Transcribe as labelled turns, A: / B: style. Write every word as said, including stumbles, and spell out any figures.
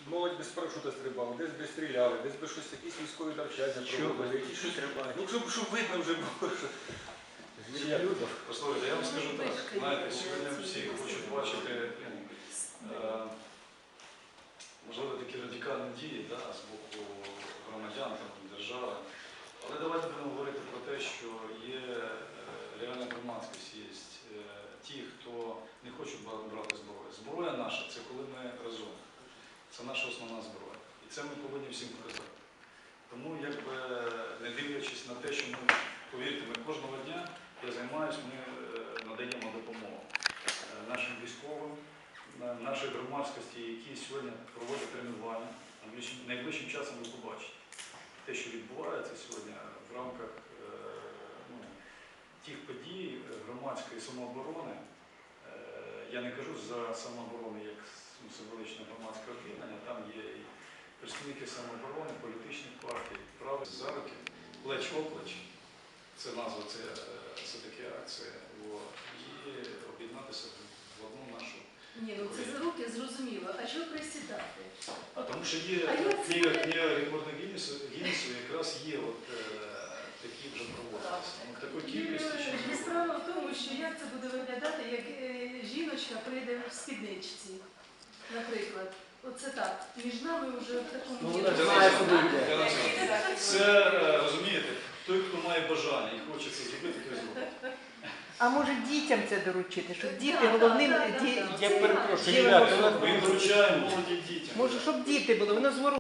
A: молодь без парашута стрибала, десь би стріляли, десь би щось, якісь військові навчання проводили, якісь щось. Ну, щоб, щоб видно вже було, що звір'я люди.
B: Послухайте, я вам скажу так, знаєте, сьогодні всі хочуть бачити, е, можливо, такі радикальні дії да, з боку громадян, там, держави. Але давайте будемо говорити про те, що є е, реальна громадськість, є е, ті, хто не хочуть брати зброю. Зброя наша – це коли ми разом. Це наша основна зброя. І це ми повинні всім показати. Тому, якби, не дивлячись на те, що ми, повірте, ми кожного дня, я займаюся, ми надаємо допомогу нашим військовим, нашій громадськості, які сьогодні проводять тренування. Найближчим часом ви побачите те, що відбувається сьогодні в рамках ну, тих подій громадської самооборони. Я не кажу за самооборону як символичне громадське об'єднання, там є і представники самооборони, політичних партій, правих за руки, плеч-оплеч. Це назва, це, це такі акції. І об'єднатися в одну нашу.
C: Ні, ну це за руки зрозуміло. А чого присідати?
B: А тому що є книга, книга рекордного Гіннесу, Гіннесу якраз є от, е, такі вже проводилися. В такої кількості ще не було.
C: Справа в тому, що як це буде виглядати, як е, жіночка прийде в спідничці, наприклад. Оце так. Між нами вже в такому
B: Ну,
C: ділі.
B: Це, е, розумієте, той, хто має бажання і хоче це зробити, той зробить.
D: А може дітям це доручити, щоб діти
C: Да,
D: головним
C: да, да,
D: ді-
C: да.
A: Я перепрошую,
D: Діло
A: ребята,
D: було.
A: у нас
B: Ми доручаємо молоді дітям.
D: може, щоб діти були, воно звору.